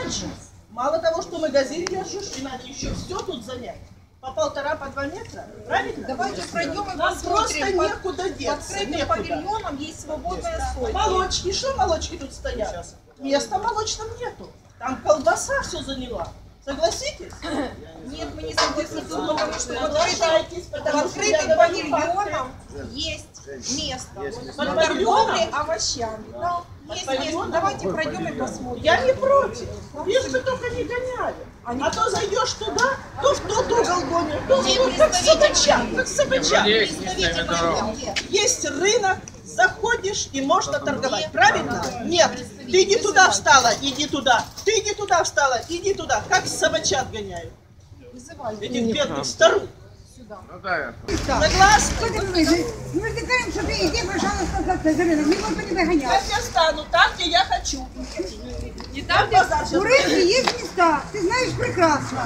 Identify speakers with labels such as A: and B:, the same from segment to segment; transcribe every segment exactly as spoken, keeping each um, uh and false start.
A: дальше. Мало того, что магазин держишь, и надо еще все тут занять. По полтора, по два метра, правильно?
B: Давайте пройдем и
A: Нам
B: посмотрим.
A: просто некуда деться.
B: Под открытым
A: некуда.
B: павильоном есть свободная стойка.
A: Молочки, что молочки тут стоят? Места молочном нету. Там колбаса все заняла. Согласитесь?
B: Нет, мы не согласны, потому что под
A: Соглашайтесь,
B: открытым, под
A: потому что я
B: открытым
A: говорю
B: павильоном есть место
A: Под
B: для
A: павильоном?
B: торговли овощами. Да, есть место.
A: павильоном?
B: Давайте пройдем и посмотрим.
A: Я не против. Лишь бы только не гоняли. А то зайдешь туда, то в тот угол гонят, то в тот, как собачак, как собачак. Есть рынок, заходишь и можно торговать, правильно? Нет, ты не туда встала, иди туда. Ты не туда встала, иди туда. Как собачат гоняют. Этих бедных старух. Согласны?
C: Мы вздыхаем, что ты иди, пожалуйста, за рынок. Мы его не догоняем.
A: Как я стану? Там, где я хочу.
B: Не там, где
C: У рынка есть места, ты знаешь прекрасно.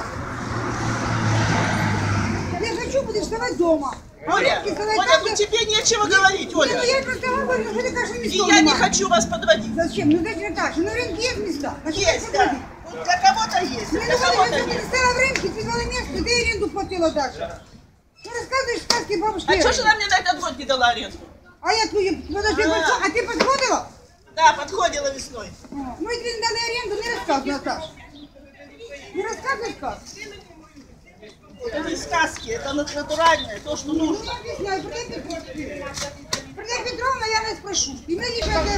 C: Я хочу, будешь вставать дома.
A: Оля, Оля, ну тебе нечего говорить,
C: Ну,
A: Оля.
C: я просто говорю, что ты кажешь,
A: И
C: места
A: я не
C: нема.
A: хочу вас подводить.
C: Зачем? Ну зачем так? На рынке есть места. А что
A: Есть,
C: ты
A: да.
C: подводишь?
A: Вот для кого-то есть,
C: Ну,
A: для
C: ну,
A: кого-то
C: если ты
A: нет.
C: не стала в рынке, ты дала место, ты аренду платила даже. Ты рассказываешь сказки бабушки.
A: А что же она мне на этот год не дала аренду?
C: А я твою, подожди,
A: А.
C: большой, а ты подходила?
A: Да, подходила весной.
C: Мы тебе дали аренду, не рассказывай, Наташа. Не рассказывай сказки.
A: Это не сказки, это натуральное, то, что нужно.
C: Я не знаю, Мария Петровна. Мария Петровна, я не спрошу. И мне не надо.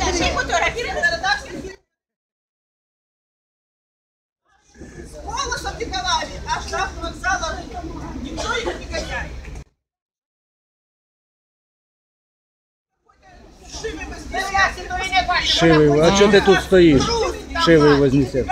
A: С голосом Николаеве, аж до вокзала рынка. Никто их не гоняет.
D: Шивий, а чого ти тут стоїш? Шивий вознесет.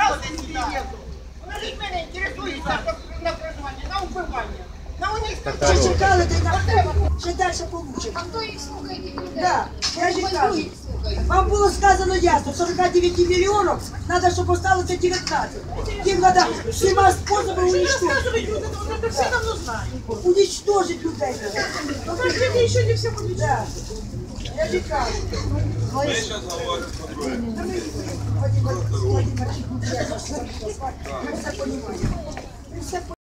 E: Ще чекали, ти на ще далі получимо.
B: А кто их слухает?
E: Да, я ж і кажу. Вам було сказано ясно, сорок дев'ять мільйонів, треба, щоб осталося дев'ятнадцять. Їм треба всіма способами уничтожити.
A: Это все давно знают.
E: Уничтожить людей.
A: Подождите, еще не все будет.
E: Да. Я ж і кажу.
F: Ми зараз говоримо про друге.
E: Владимир Владимирович, ми все розуміємо. Ми все розуміємо.